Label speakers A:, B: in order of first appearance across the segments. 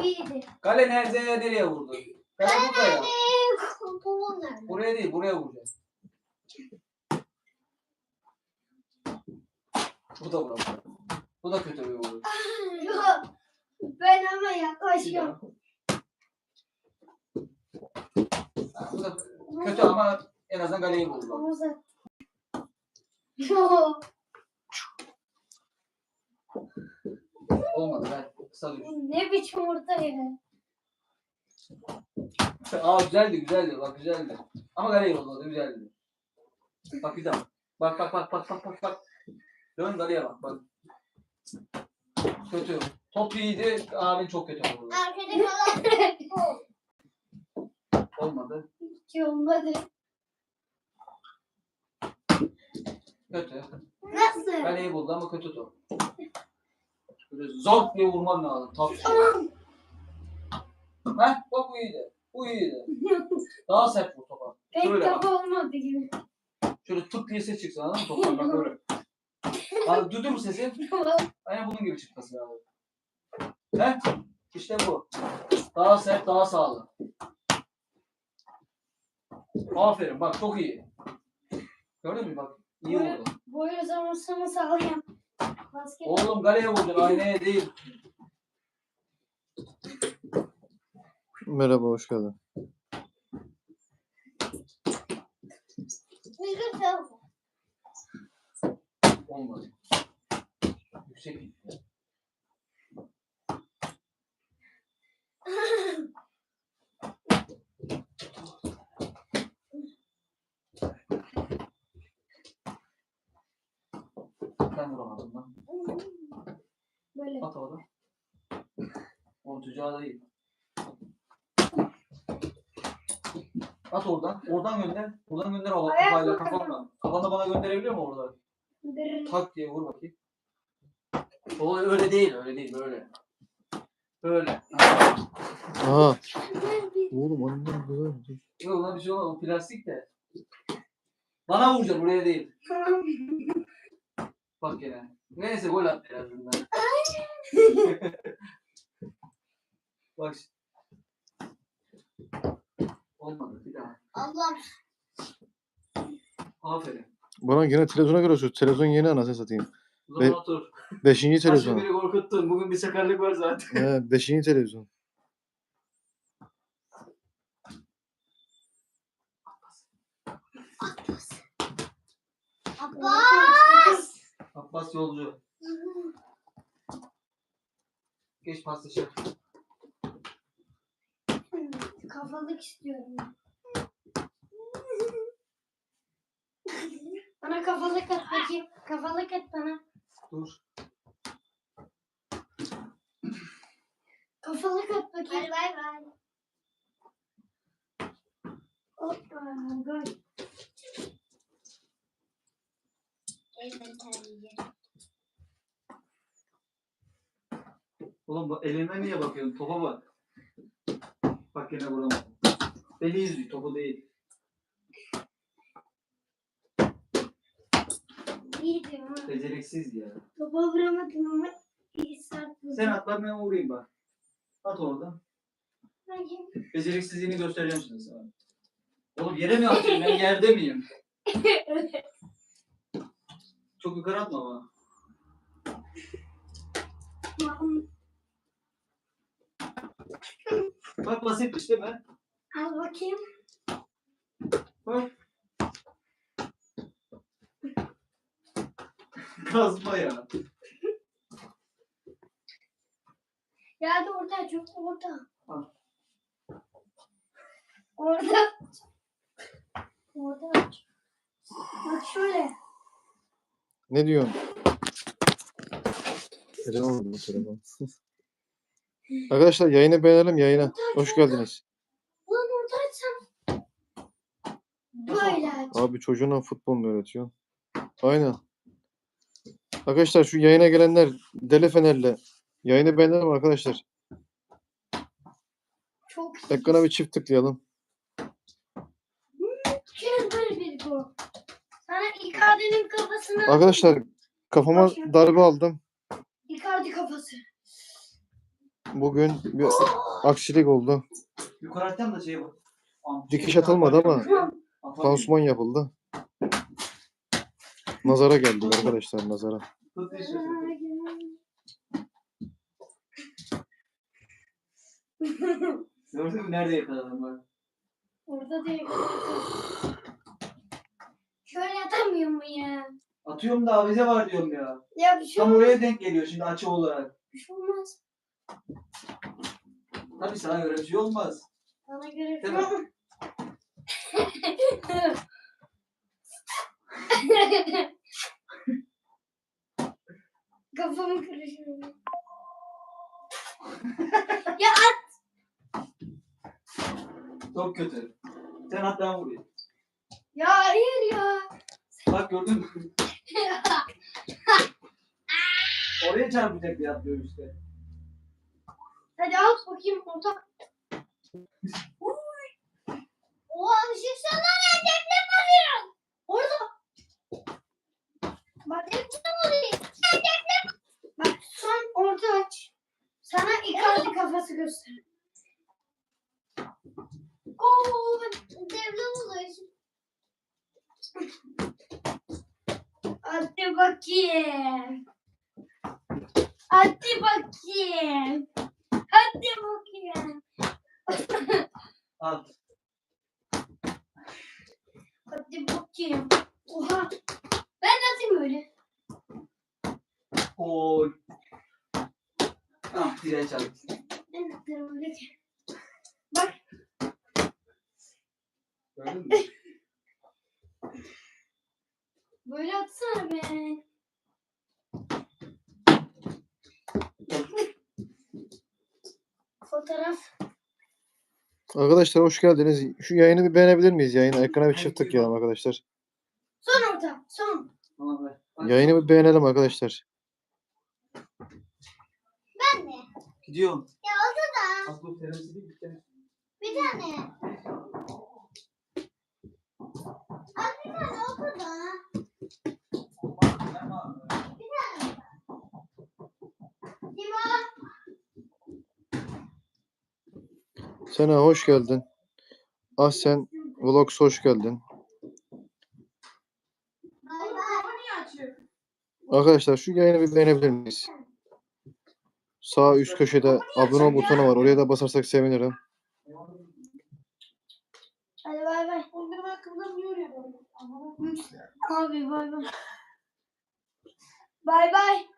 A: iyiydi.
B: Kale nereye vurdu? Kale burada ya.
A: Pantolon nerede?
B: Buraya değil, buraya vuracağız. Bu da vurdu. Bu da kötü bir vurdu.
A: Yok. Ben ama yaklaşıyorum.
B: Bu da kötü ama en azından kaleyi vurdu.
A: Omuz at. Yok.
B: Olmadı ben kısa düştüm.
A: Ne biçim orta ya?
B: Güzeldi bak güzeldi. Ama kaleyi vurdu güzeldi. Bak güzel. Bak. Dön kaleye bak. Kötü. Top iyiydi, abin çok kötü vurdu.
A: Arkada kalan
B: Olmadı.
A: hiç olmadı.
B: Kötü.
A: Nasıl?
B: Kaleyi buldu ama kötü top. Böyle zor diye vurman lazım. Top. Heh, bak bu iyiydi. Daha sert vur topa.
A: Pek
B: Şöyle
A: top
B: bak.
A: olmadı gibi.
B: Şöyle tık diye ses çıksın anladın mı toptan bak böyle. Abi duydun mu sesi? Aynen bunun gibi çıkması lazım. Heh, işte bu. Daha sert, daha sağlam. Aferin bak çok iyi. Gördün mü bak? İyi vurdu.
A: Boyu uzamasını sağlayan. Basket.
B: Oğlum galeye vuracaksın, aynaya değil.
C: Merhaba, hoş geldin.
B: Olmadı. Yüksek gitti. Ben vuramadım lan.
A: Böyle.
B: At orada. Onun tüccarı değil. At oradan. Oradan gönder. Buradan gönder kafayla kafanla. Kafanla bana gönderebiliyor mu orada? Tak diye vur bakayım. O öyle değil böyle. Böyle.
C: Aha. Oğlum annem güzel.
B: Yok lan bir şey olmaz. O plastik de. Bana vuracaksın buraya değil. Bak gene. Neyse gol attı en azından. Bak. Olmadı bir daha.
A: Allah.
B: Aferin.
C: Bana yine televizyona göre şu televizyon yeni anasını satayım.
B: O zaman otur.
C: 5.
B: Kaçın
C: televizyon.
B: biri korkuttun. Bugün bir sakarlık var zaten.
C: He, 5. televizyon.
A: Abbas.
B: Abbas yolcu. Geç paslaşa.
A: Kafalık istiyorum. Bana kafalık at bakayım. Kafalık at bana.
B: Dur.
A: Kafalık at bakayım. Bay bay. Hoppa. Gol.
B: Oğlum elime niye bakıyorsun? Topa bak. Bak yine vuramadım. Beni izliyor. Topu değil.
A: İyiydi ama.
B: Beceriksiz ya.
A: Topa vuramadım ama iyi sert vurdum.
B: Sen at ben vurayım bak. At oradan.
A: Bakayım.
B: Beceriksizliğini göstereceğim şimdi sana. Oğlum yere mi atıyorsun? Ben yerde miyim? Çok yukarı atma ama. Bak basitmiş değil mi?
A: Al bakayım.
B: Bak. Kazma ya.
A: Ya da orada çok orada.
B: Al.
A: Orada. Orada. Bak şöyle.
C: Ne diyorsun? Telefon bu telefon. Arkadaşlar yayını beğenelim yayına. Hoş geldiniz.
A: Ulan orada açsam. Böyle aç.
C: Abi çocuğuna futbol mu öğretiyor? Aynen. Arkadaşlar şu yayına gelenler deli fenerle yayını beğenelim arkadaşlar.
A: Çok iyi.
C: Ekrana bir çift tıklayalım.
A: Mükemmel bir gol. Sana Icardi'nin kafasını...
C: Arkadaşlar kafama darbe aldım.
A: Icardi kafası.
C: bugün bir aksilik oldu.
B: Yukarı atacağım da şey bak.
C: Dikiş atılmadı ama pansuman yapıldı. Nazara geldik arkadaşlar, nazara.
B: Gördün mü nerede yakaladım bak.
A: Orada değil. Şöyle atamıyor mu ya?
B: Atıyorum da avize var diyorum ya.
A: Ya bir şey
B: Tam
A: olmaz.
B: oraya denk geliyor şimdi açı olarak.
A: Bir şey olmaz.
B: Tabii sana göre bir şey olmaz.
A: Bana göre bir
B: Değil
A: şey
B: mi?
A: olmaz. Kafamı karıştırıyor. Ya
B: Çok kötü. Sen at ben vurayım.
A: ya hayır ya.
B: Bak gördün mü? Oraya çarpacak diye atlıyor işte.
A: Hadi at bakayım orta. Oha düşünsene ne deprem oluyor. Orada. Bak deprem oluyor. Deprem. Bak sen orta aç. Sana Icardi kafası göster. Oo deprem oluyor. Hadi bakayım. Hadi bakayım. Hadi bakayım.
B: At.
A: Hadi bakayım. Oha. Ben de atayım böyle.
B: Oy. Ah direğe çarptı.
A: Ben de atayım böyle. Bak.
B: Gördün mü?
A: Böyle atsana be. Fotoğraf.
C: Arkadaşlar hoş geldiniz. Şu yayını bir beğenebilir miyiz? Yayını ekrana bir çift tıklayalım arkadaşlar.
A: Son orta. Son.
B: Tamam be. Bak,
C: Yayını bir beğenelim arkadaşlar.
A: Ben de.
B: gidiyorum.
A: Ya oldu da.
B: Aklı terörisi değil bir tane.
A: Bir tane. Az bir tane oldu da. Bir tane. Dima.
C: Sena hoş geldin. Ahsen Vlogs hoş geldin.
A: Bay bay.
C: Arkadaşlar şu yayını bir beğenebilir miyiz? Sağ üst köşede abone ol butonu var. Oraya da basarsak sevinirim.
A: Hadi bay bay. Abi bay bay. Bay bay.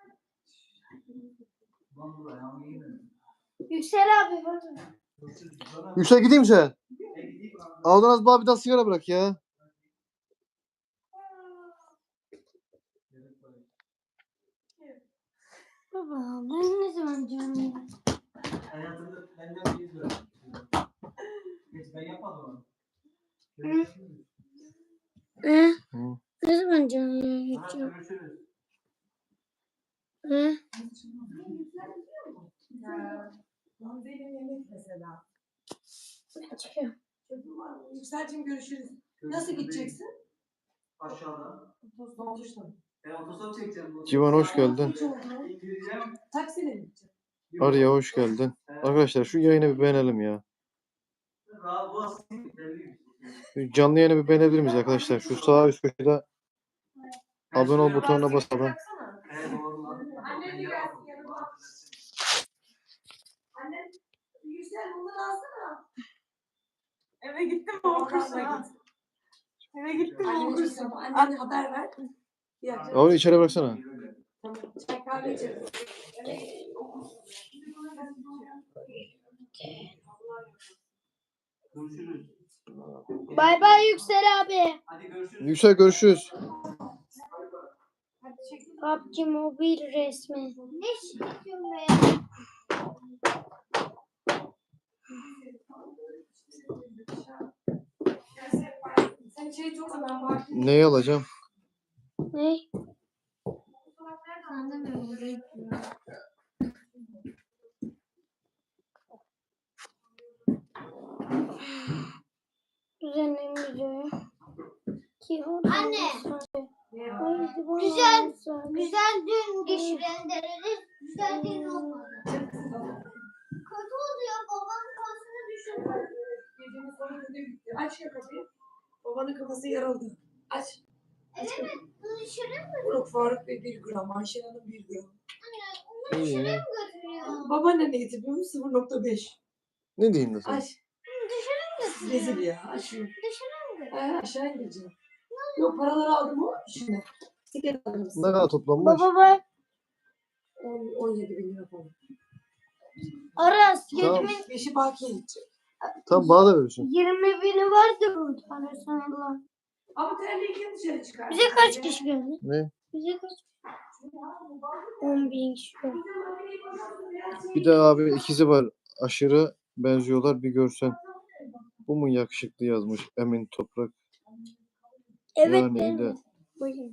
A: Yüksel abi bay bay.
C: Yüksel gideyim sen. Aldın az bana bir daha sigara bırak ya.
A: Baba ben ne zaman canım?
B: Hayatımda benden bir lira. Geç ben yapmadım onu.
C: Hı.
A: Ne zaman canım geçiyor?
B: Görüşürüz.
D: Benim yemek mesela.
A: Çıkıyor.
D: Yükselcim görüşürüz. Nasıl gideceksin?
B: Aşağıda.
D: Dolmuşla.
B: Ben otostop çekeceğim.
C: Civan hoş geldin.
B: İndireceğim.
D: Taksiyle mi gideceksin?
C: Arya hoş geldin. Arkadaşlar şu yayını bir beğenelim ya.
B: Rahat bu aslında belliymiş.
C: Şu canlı yayını bir beğenebilir miyiz arkadaşlar? Şu sağ üst köşede abone ol butonuna basalım.
B: Evet doğru lan.
D: Annen de gelsin yanıma. Annen Yüksel bunları alsana. Eve gittim mi okursun? Eve gittim mi okursun? Annene haber ver.
C: Abi içeri bıraksana.
D: Tamam. Çay kahve içeriz.
B: Görüşürüz.
A: Bay bay Yüksel abi.
B: Hadi görüşürüz.
C: Yüksel görüşürüz.
A: PUBG mobil resmi. Ne çekiyorsun be?
D: Sen çayı çok ben bak.
C: Neyi alacağım?
A: Ne? Düzenleyin videoyu. Anne. Güzel dün diş rendeleriz. Güzel dün olmadı.
D: babanın önüne gitti. Aç ya kapıyı. Babanın kafası yarıldı. Aç. Aç kapıyı. Yok Faruk Bey 1 gram. Ayşen Hanım 1 gram.
C: İyi.
D: Babaanne ne getiriyor mu? 0,5.
C: Ne diyeyim de sana?
D: Aç. Rezil ya. Aç şunu. Aşağı indireceğim. Yok paraları aldım o şimdi. Tiket aldım.
C: Ne kadar toplanmış?
A: Baba bak.
D: 17 bin lira falan.
A: Aras
C: Tamam.
A: gecemin
D: 5'i bakiye gidecek.
C: Tamam bana da verirsin.
A: 20 bini vardır bu tane sana.
D: Ama terliği kim dışarı çıkar?
A: Bize kaç kişi geldi?
C: Ne?
A: Bize kaç? 10 bin kişi geldi.
C: Bir de abi ikizi var. Aşırı benziyorlar bir görsen. Bu mu yakışıklı yazmış Emin Toprak.
A: Evet.
C: Yani
A: benim.
C: de.
A: Buyurun.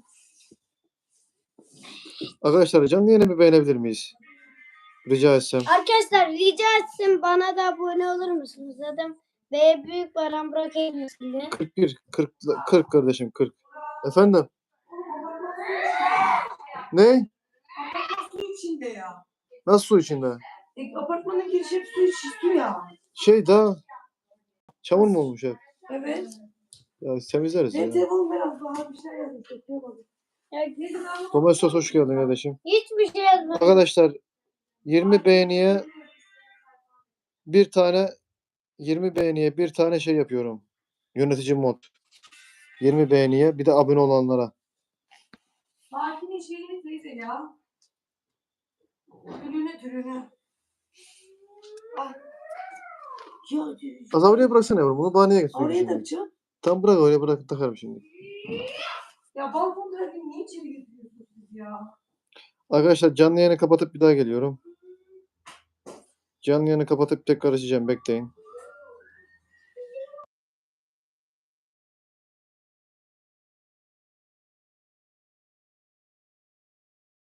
C: Arkadaşlar canlı yayını bir beğenebilir miyiz? Rica etsem.
A: Arkadaşlar rica etsin bana da abone olur musunuz? Zaten B büyük baran bırakayım size.
C: 40 kardeşim 40. Efendim? Ne?
D: Su içinde ya.
C: Nasıl su içinde?
D: Apartmanın girişi hep su ya.
C: Şey daha çamur mu olmuş hep?
D: Evet.
C: Ya temizleriz
D: Ben
C: ya.
D: telefon biraz daha bir şey yazdım. Çekiyamadım.
C: Domestos hoş geldin kardeşim.
A: Hiçbir şey yazmadım.
C: Arkadaşlar 20 beğeniye bir tane 20 beğeniye bir tane şey yapıyorum. Yönetici mod. 20 beğeniye bir de abone olanlara.
D: Sakin'in şeyini teyze ya. Türünü. Ah. Ya,
C: Az oraya bıraksana yavrum. Bunu bahaneye getiriyorum
D: oraya
C: şimdi.
D: takacağım.
C: Tam bırak oraya bırak takarım şimdi.
D: Ya balkon trafiğini niye içeri getiriyorsunuz siz ya?
C: Arkadaşlar canlı yayını kapatıp bir daha geliyorum. Canlı yayını kapatıp tekrar açacağım. Bekleyin.